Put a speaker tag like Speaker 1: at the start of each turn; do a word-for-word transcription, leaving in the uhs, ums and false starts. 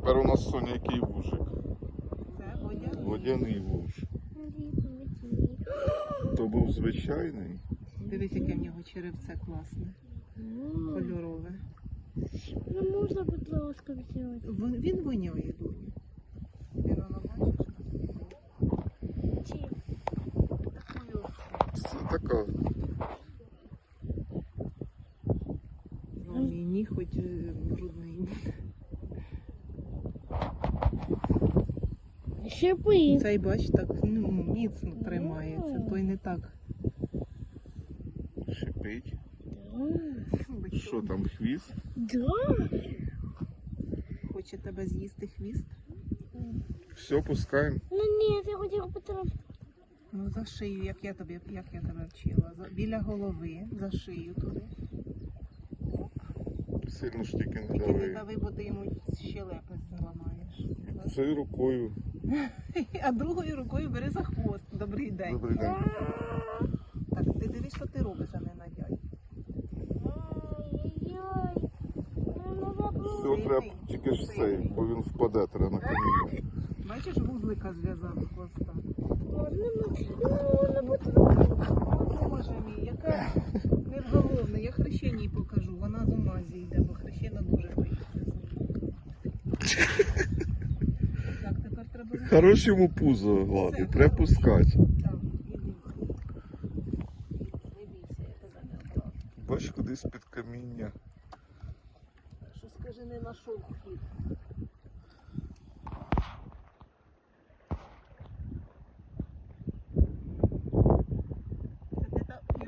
Speaker 1: Тепер у нас, Соня, який вужик?
Speaker 2: Це водяний.
Speaker 1: Водяний вуж. То був звичайний.
Speaker 2: Дивись, яке в нього черевце класне. Кольорове.
Speaker 3: Ну можна, будь ласка, взяти.
Speaker 2: Вон- Він воняє, доню. Він воно бачиш?
Speaker 3: Чи?
Speaker 2: Такою.
Speaker 1: Це така.
Speaker 2: Ну, мій ніг хоч е, брудний.
Speaker 3: Шипи.
Speaker 2: Цей, бач, так ну, міцно тримається. Той не так.
Speaker 1: Шипить.
Speaker 3: Да.
Speaker 1: Що там, хвіст?
Speaker 3: Да.
Speaker 2: Хоче тебе з'їсти хвіст?
Speaker 1: Все, пускаємо.
Speaker 3: Ну ні, я хотіла потрапити.
Speaker 2: Ну за шию, як я тобі, як я тебе вчила. За, біля голови, за шию туди.
Speaker 1: Сильно ж тільки не
Speaker 2: Тільки не
Speaker 1: дави.
Speaker 2: дави, бо ти йому щелепи зламаєш.
Speaker 1: Цією рукою.
Speaker 2: А другою рукою бери за хвост. Добрий день.
Speaker 1: Добрий день.
Speaker 2: Так, ти дивись, що ти робиш, а не надяй.
Speaker 3: Ай-яй-яй. Ну, забула.
Speaker 1: Все, треба тільки ж цей, бо він впаде, треба на каміння.
Speaker 2: Бачиш, вузлика зв'язав з хвоста.
Speaker 3: Ладно, ну, не потрапити.
Speaker 2: О, Боже мій, яка невголовна. Я хрещеній покажу. Вона з ума зійде, бо хрещена дуже боїться з ним. Так, тепер треба...
Speaker 1: Хорош йому пузо гладить, треба пускати.
Speaker 2: Так, іди. Не бійся, я тебе не ображу.
Speaker 1: Бач, кудись під каміння.
Speaker 2: Що скажи, не знайшов хід.